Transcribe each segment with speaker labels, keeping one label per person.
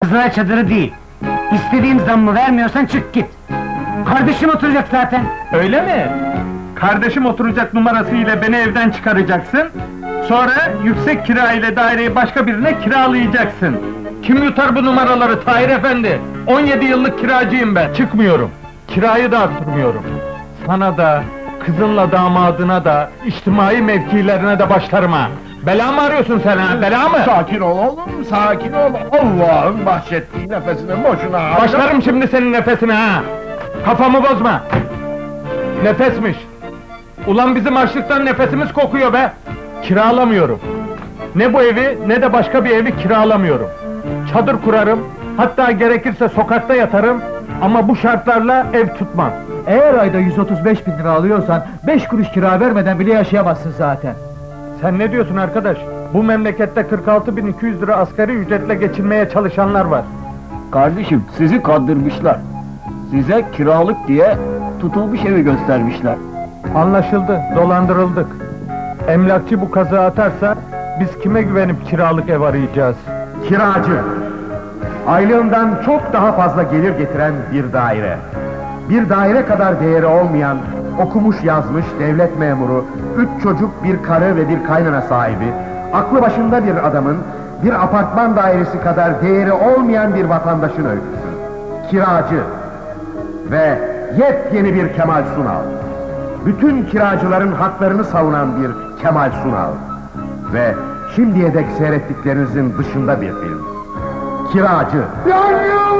Speaker 1: Kızına çadırı değil. İstediğim zammı vermiyorsan çık git. Kardeşim oturacak zaten.
Speaker 2: Öyle mi? Kardeşim oturacak numarası ile beni evden çıkaracaksın. Sonra yüksek kira ile daireyi başka birine kiralayacaksın. Kim yutar bu numaraları Tahir Efendi? 17 yıllık kiracıyım ben, çıkmıyorum. Kirayı da arttırmıyorum. Sana da, kızınla damadına da, içtimai mevkilerine de başlarım ha! Bela mı arıyorsun sen ha, bela mı?
Speaker 3: Sakin ol oğlum, sakin ol! Allah'ın bahşettiği nefesini boşuna harcama!
Speaker 2: Başlarım şimdi senin nefesine ha! Kafamı bozma! Nefesmiş! Ulan bizim açlıktan nefesimiz kokuyor be! Kiralamıyorum! Ne bu evi, ne de başka bir evi kiralamıyorum! Çadır kurarım, hatta gerekirse sokakta yatarım, ama bu şartlarla ev tutmam!
Speaker 4: Eğer ayda 135 bin lira alıyorsan, 5 kuruş kira vermeden bile yaşayamazsın zaten.
Speaker 2: Sen ne diyorsun arkadaş? Bu memlekette 46.200 lira asgari ücretle geçinmeye çalışanlar var!
Speaker 5: Kardeşim, sizi kandırmışlar. Size kiralık diye tutulmuş evi göstermişler.
Speaker 2: Anlaşıldı, dolandırıldık! Emlakçı bu kazığı atarsa, biz kime güvenip kiralık ev arayacağız?
Speaker 3: Kiracı! Aylığından çok daha fazla gelir getiren bir daire. Bir daire kadar değeri olmayan, okumuş yazmış devlet memuru, 3 çocuk, bir karı ve bir kaynana sahibi, aklı başında bir adamın, bir apartman dairesi kadar değeri olmayan bir vatandaşın öyküsü. Kiracı! Ve yepyeni bir Kemal Sunal. Bütün kiracıların haklarını savunan bir Kemal Sunal. Ve şimdiye dek seyrettiklerinizin dışında bir film. Kiracı. Yangın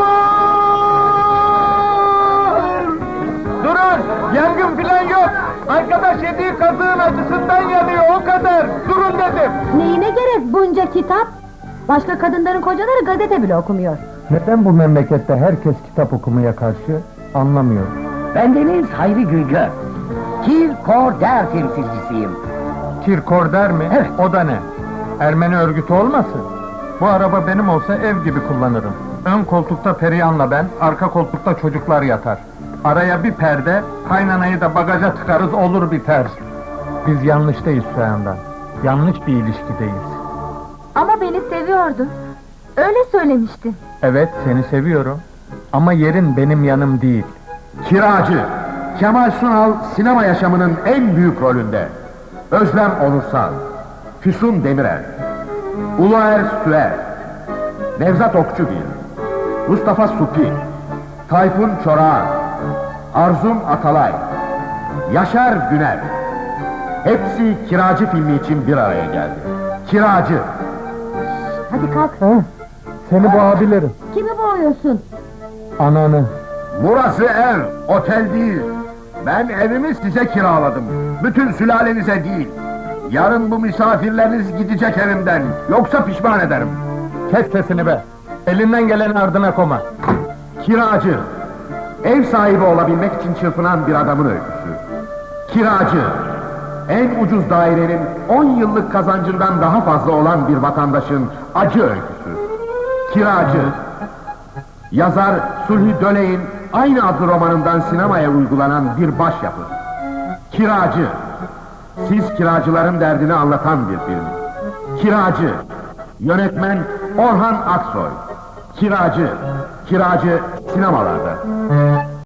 Speaker 3: var!
Speaker 2: Durun! Yangın filan yok! Arkadaş yediği kazığın acısından yanıyor, o kadar! Durun dedim!
Speaker 6: Neyine gerek bunca kitap? Başka kadınların kocaları gazete bile okumuyor.
Speaker 2: Neden bu memlekette herkes kitap okumaya karşı? Anlamıyorum.
Speaker 1: Bendeniz Hayri Güngör. Kirkorder temsilcisiyim.
Speaker 2: Kirkorder mi?
Speaker 1: Evet.
Speaker 2: O da ne? Ermeni örgütü olmasın? Bu araba benim olsa ev gibi kullanırım. Ön koltukta Perihan'la ben, arka koltukta çocuklar yatar. Araya bir perde, kaynanayı da bagaja tıkarız, olur biter. Biz yanlıştayız Süheyn'den. Yanlış bir ilişkideyiz.
Speaker 6: Ama beni seviyordu. Öyle söylemiştin.
Speaker 2: Evet, seni seviyorum. Ama yerin benim yanım değil.
Speaker 3: Kiracı. Kemal Sunal sinema yaşamının en büyük rolünde. Özlem Onursal, Füsun Demirel, Uluer Süer, Nevzat Okçugil, Mustafa Supi, Tayfun Çorağan, Arzum Atalay, Yaşar Güner. Hepsi Kiracı filmi için bir araya geldi. Kiracı.
Speaker 6: Hadi kalk.
Speaker 2: Seni boğabilirim.
Speaker 6: Kimi boğuyorsun?
Speaker 2: Ananı.
Speaker 3: Burası ev, otel değil. Ben evimi size kiraladım. Bütün sülalenize değil. Yarın bu misafirleriniz gidecek evimden. Yoksa pişman ederim.
Speaker 2: Kes sesini be! Elinden geleni ardına koma!
Speaker 3: Kiracı. Ev sahibi olabilmek için çırpınan bir adamın öyküsü. Kiracı. En ucuz dairenin 10 yıllık kazancından daha fazla olan bir vatandaşın acı öyküsü. Kiracı. Yazar Sulhi Döley'in aynı adlı romanından sinemaya uygulanan bir başyapıt. Kiracı. Siz kiracıların derdini anlatan bir film. Kiracı. Yönetmen Orhan Aksoy. Kiracı. Kiracı sinemalarda.